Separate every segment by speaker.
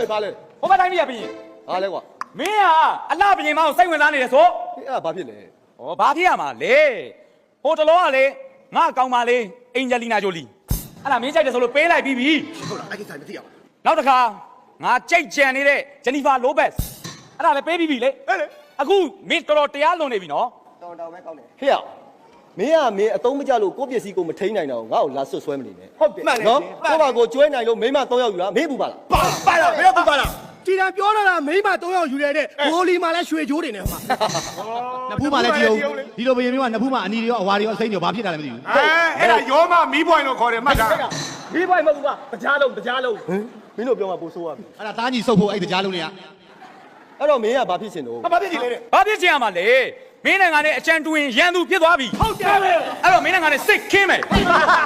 Speaker 1: ဘာလဲ
Speaker 2: ဟိုဘက်တိုင်းပြည်ကပြင်
Speaker 1: ဘာလဲကွာ
Speaker 2: မင်းကအလှပြင်မအောင်စိတ်ဝင်စားနေတယ်ဆို
Speaker 1: အဲ့ဒါဘာဖြစ်လဲ
Speaker 2: ဩဘာဖြစ်ရမှာလဲဟိုတလောကလေငါကောင်းပါလေအင်ဂျလီနာဂျိုလီအဲ့ဒါမင်းကြိုက်တယ်ဆိုလို့ပေးလိုက်ပြီးပြီ
Speaker 1: ဟုတ်လားအဲ့ဒီဆိုင်မသိရပါဘူး
Speaker 2: နောက်တစ်ခါငါကြိတ်ကြံနေတဲ့ဂျနီဖာလိုဘက်စ်အဲ့ဒါလည်းပေးပြီးပြီလေအခုမင်းတော်တော်တရားလွန်နေပြီနော်
Speaker 1: တော်ပဲကောင်းတယ်ဟေ့ရမင်းကမင်းအသုံးမကျလို့ကိုယ့်ပစ္စည်းကိုမထိန်းနိုင်တော့ငါ့ကိုလာဆွတ်ဆွဲမနေနဲ့ဟုတ်တယ်နော်ကိုယ့်ဘာကိုကျွဲနိုင်လို့မိမ3ယောက်ယူတာမင်းပူပါလား
Speaker 3: ပါလားမင်းပူပါလားဒီတန်ပြောတော့တာမိမ3ယောက်ယူရတဲ့ဘိုလီမှာလည်းရွှေချိုးတွေနဲ့ဟိုမှာ
Speaker 4: နှစ်ဖူးမှလည်းကြည့်အောင်ဒီလိုဘယင်းမျိုးကနှစ်ဖူးမှအနီတွေရောအဝါတွေရောအစိမ့်တွေရောဘာဖြစ်တာလဲမသိဘူး
Speaker 3: အဲ့ဒါရောမမီးပွိုင်လို့ခေါ်တယ်မှတ်တာ
Speaker 1: မီးပွိုင်မဟုတ်ဘူးကကြားလုံးမင်းတို့ပြောမှပိုဆိုးရပြီ
Speaker 4: အဲ့ဒါသားကြီးစုပ်ဖို့အဲ့တရားလုံးတွေက
Speaker 1: အဲ့တော့မင်းကဘာဖြစ်ချင်တော့
Speaker 3: ဘာဖြစ်ချင်လဲတဲ့
Speaker 2: ဘာဖြစ်ချင်ရမှာလဲမင်းနိုင်ငံနဲ့အချမ်းတွင်ရန်သူဖြစ်သွားပြီ
Speaker 3: ဟုတ်တယ်ပဲ
Speaker 2: အဲ့တော့မင်းနိုင်ငံနဲ့စိတ်ခင်းမယ်
Speaker 1: ဟဲ့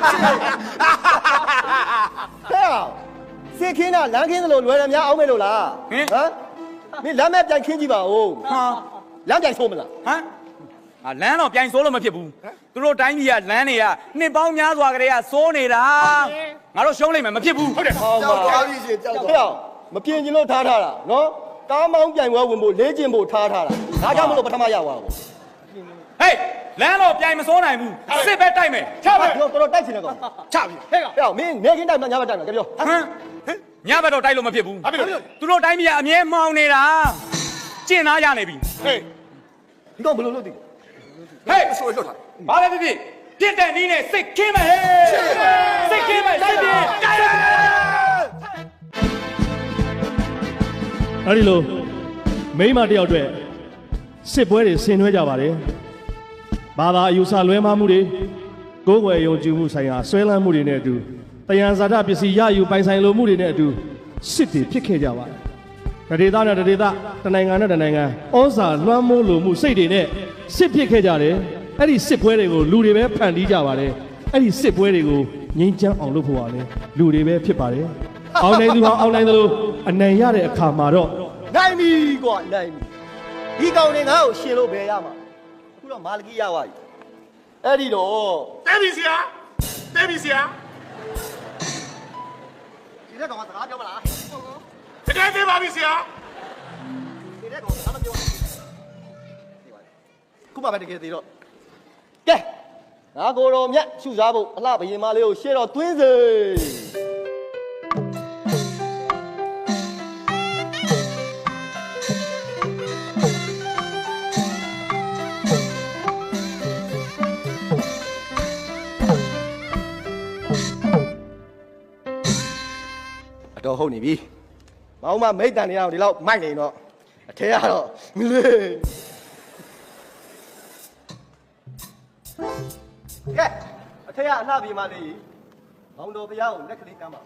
Speaker 1: စစ်ခင်းတာလမ်းခင်းသလိုလွယ်တယ်များအောင်မယ်လို့လားဟမ်မင်းလမ်းမဲ့ပြန်ခင်းကြည့်ပါဦး
Speaker 2: ဟာ
Speaker 1: လမ်းပြန်ဆိုးမလား
Speaker 2: ဟမ်လမ်းတော့ပြိုင်စိုးလို့မဖြစ်ဘူးသူတို့တိုင်းပြည်ကလမ်းတွေကနှစ်ပေါင်းများစွာကလေးကစိုးနေတာငါတို့ရှုံးလိမ့်မယ်မဖြစ်ဘူး
Speaker 3: ဟုတ်တယ်
Speaker 1: ကြောက်ပါပြီရှင်ကြောက်ပါမပြင်ကျင်လို့ထားတာနော်ကားမောင်းပြိုင်ပွဲဝင်ဖို့လေ့ကျင့်ဖို့ထားတာဒါကြောင့်မလို့ပထမရသွားပါဘူး
Speaker 2: ဟေးလမ်းတော့ပြိုင်မစိုးနိုင်ဘူးစစ်ပဲတိုက်မယ်
Speaker 3: ချပါ
Speaker 1: တော်တော်တိုက်ချင်တယ်ကောင်
Speaker 3: ချပြီ
Speaker 1: ဟဲ့မင်းနေခင်းတိုက်မှညဘက်တိုက်မှာကြပြော
Speaker 2: ဟမ်ညဘက်တော့တိုက်လို့မဖြစ်ဘူးသူတို့တိုင်းပြည်ကအမြဲမှောင်နေတာကျင့်သားရနေပြီ
Speaker 3: ဟေး
Speaker 1: ဒီကောင်ဘယ်လိုလုပ်သိ
Speaker 2: ဟေးဆိုလွတ်တာဘာလဲဖြစ်ပြစ်တဲ့နီးနဲ့စိတ်ခင်းမယ်ဟဲ့စိတ်ခင်းမယ်စိတ်ပြင်းတိုက်ရ
Speaker 5: အဲ့ဒီလိုမိမတယောက်အတွက်စစ်ပွဲတွေဆင်နွှဲကြပါတယ်ဘာသာအယူဆလွဲမှားမှုတွေကိုယ်ွယ်ယုံကြည်မှုဆိုင်ရာဆွဲလန်းမှုတွေနဲ့အတူတယံဇာတပစ္စည်းရယူပိုင်ဆိုင်လိုမှုတွေနဲ့အတူစစ်တွေဖြစ်ခဲ့ကြပါတယ်ဒေသနဲ့ဒေသတနိုင်ငံနဲ့တနိုင်ငံဩဇာလွှမ်းမိုးလိုမှုစိတ်တွေနဲ့စစ်ဖြစ်ခဲ့ကြတယ်အဲ့ဒီစစ်ပွဲတွေကိုလူတွေပဲဖန်တီးကြပါတယ်အဲ့ဒီစစ်ပွဲတွေကိုငြိမ်းချမ်းအောင်လုပ်ဖို့ပါလေလူတွေပဲဖြစ်ပါတယ်အောင်နိုင်သူဟာအောင်နိုင်သလိုအနိုင်ရတဲ့အခါမှာတော့
Speaker 1: နိုင်ပြီကွာနိုင်ပြီဒီကောင်တွေငါ့ကိုရှင်လို့ဘယ်ရမှာအခုတော့မာလကီရသွားပြီအဲ့ဒီတော့
Speaker 3: တဲပြီဆရာတဲပြီဆရာ
Speaker 1: ဒီတဲ့ကောင်ကစကားပြောမလား
Speaker 3: တကယ်သေးပါပြီဆရာ
Speaker 1: ဒီတဲ့ကောင်ကစကားမပြောခုမှပဲတကယ်သေးတော့ကဲငါကိုတော်မြတ်ရှုစားဖို့အလှဘယင်မလေးကိုရှေ့တော့တွင်းစေတော့ဟုတ်နေပြီ။မောင်မမိတ်တန်နေအောင်ဒီလောက်မိုက်နေတော့အထဲကတော့မလေး။ကဲအထဲကအလှပြေမလေးမောင်တော်ဘုရားကိုလက်ကလေးကမ်းပါ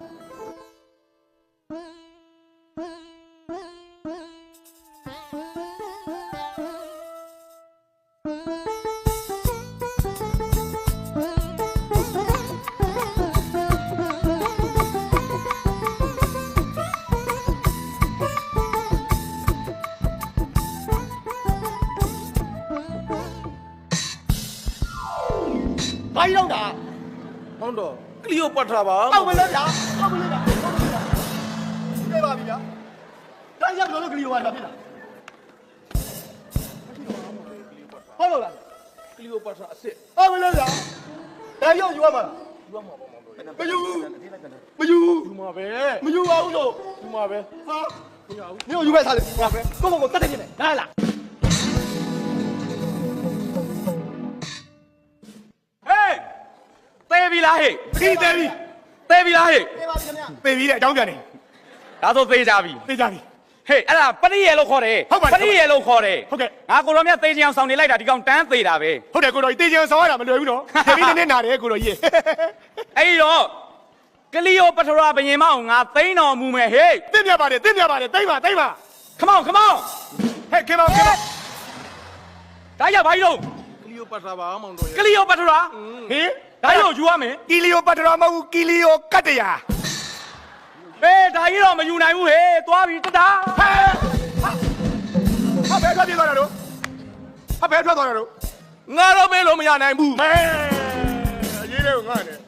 Speaker 1: ဘာကြီးတော့တာ
Speaker 3: ဟောင်းတော့ကလီယိုပတ်ထရာပါ
Speaker 1: အောက်မလို့ဗျာအောက်မလို့ဗျာပြေးပါပြီဗျာတိုင်းရောက်လို့ကလီယိုပါဖြစ်လာဟုတ်လို့လား
Speaker 3: ကလီယိုပတ်ထရာအစ်စ်
Speaker 1: အောက်မလို့ဗျာဒါရောက်ယူရမှာ
Speaker 3: ယူရမှာပေါ့မောင်တို့
Speaker 1: မယူမယူ
Speaker 3: ယူမှာပဲ
Speaker 1: မယူပါဘူးလို့
Speaker 3: ယူမှာပဲ
Speaker 1: ဟာမယူဘူးမြို့ယူပဲစားလေဟာပဲကိုတတ်တယ်ပြင်မယ်လာလား
Speaker 2: သေးပြီလားဟဲ့
Speaker 3: သေးပြီ
Speaker 2: သေးပြီလားဟဲ့
Speaker 1: သေးပါပြီခင်ဗျ
Speaker 3: သေပြီတဲ့အကြောင်းပြန်နေ
Speaker 2: ဒါဆိုသေးကြပြီ
Speaker 3: သေကြပြီ
Speaker 2: ဟေးအဲ့ဒါပရိယေလို့ခေါ်တယ်ပရိယေလို့ခေါ်တယ်
Speaker 3: ဟုတ်ကဲ့
Speaker 2: ငါကိုတော်မြတ်သေချင်အောင်ဆောင်နေလိုက်တာဒီကောင်တန်းသေးတာပဲ
Speaker 3: ဟုတ်တယ်ကိုတော်ကြီးသေချင်ဆောင်ရတာမလွယ်ဘူးနော်သေပြီးနည်းနာတယ်ကိုတော်ကြီး
Speaker 2: အဲ့ဒီတော့ကလီယိုပထရာဘယင်မအောင်ငါသိန်းတော်မူမယ်ဟေး
Speaker 3: သိမြပါတယ်သိပါ
Speaker 2: Come on
Speaker 3: ဟဲ့ခင်ဗျာ
Speaker 2: ဒါရဘာကြီးတော့
Speaker 3: ကလီယိုပတ်ထရာပါမောင်တို့
Speaker 2: ကလီယိုပထရာ
Speaker 3: ဟေး
Speaker 2: ဒါရောယူရမယ်
Speaker 3: ကီလီယိုပတ်ထရာမဟုတ်ကီလီယိုကတ်တရာ
Speaker 2: ဒါကြီးတော့မယူနိုင်ဘူးဟေးသွားပြီတတာ
Speaker 3: ဟာဘယ်ထွက်ပြေးသွားတာတို့ငါတော့မေးလို့မရနိုင်ဘူးအရေးလေးကိုငါနဲ့